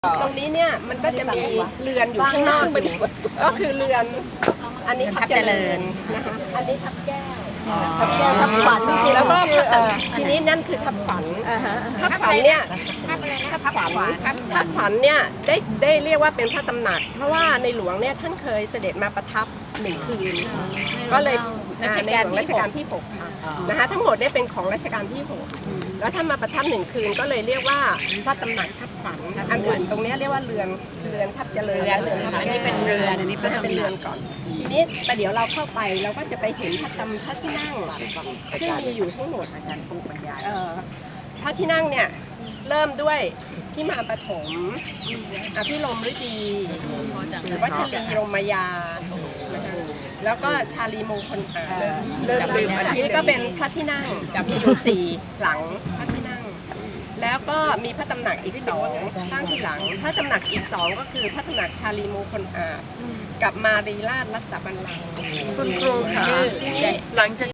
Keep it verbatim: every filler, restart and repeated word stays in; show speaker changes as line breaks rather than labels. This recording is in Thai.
ตรงนี้เนี่ยมันก็จะมีเรือนอยู่ข้างนอกอยู่ก็คือเรือนอันนี้ทับเจริญนะคะอันนี้ทับแก้วทับแก้วทับขวัญแล้วก็ทีนี้นั่นคือทับขวัญทับขวัญเนี่ยทับขวัญทับขวัญเนี่ยได้ได้เรียกว่าเป็นพระตำหนักเพราะว่าในหลวงเนี่ยท่านเคยเสด็จมาประทับหนึ่งคืนก็เลยในหลวงรัชกาลที่หกค่ะนะคะทั้งหมดเนี่ยเป็นของรัชกาลที่หกแล้วถ้ามาประทับหนึ่งคืนก็เลยเรียกว่าพระตำหนักทับขวัญอันอื่นตรงนี้เรียกว่าเรือนเรือนทับเจริญเรือนทับแก้วอันนี้เป็นเรือนอันนี้เป็นเรือนก่อนทีนี้แต่เดี๋ยวเราเข้าไปเราก็จะไปเห็นพระตำพระที่นั่งซึ่งมีอยู่ทั้งหมดพระที่นั่งเนี่ยเริ่มด้วยพิมานปฐมอภิรมย์ฤดีหรือว่าชลีรมยาแล้วก็ชาลีมงคลอาเริ่มลืมอันนี้ก็เป็นพระที่นั่งมีอยู่สี่หลังพระที่นั่งแล้วก็มีพระตำหนักอีกสองสร้างที่หลังพระตำหนักอีกสองก็คือพระตำหนักชาลีมงคลอากับมารีราชรัตนบัลลังก์คุณครูค่ะหลังจาก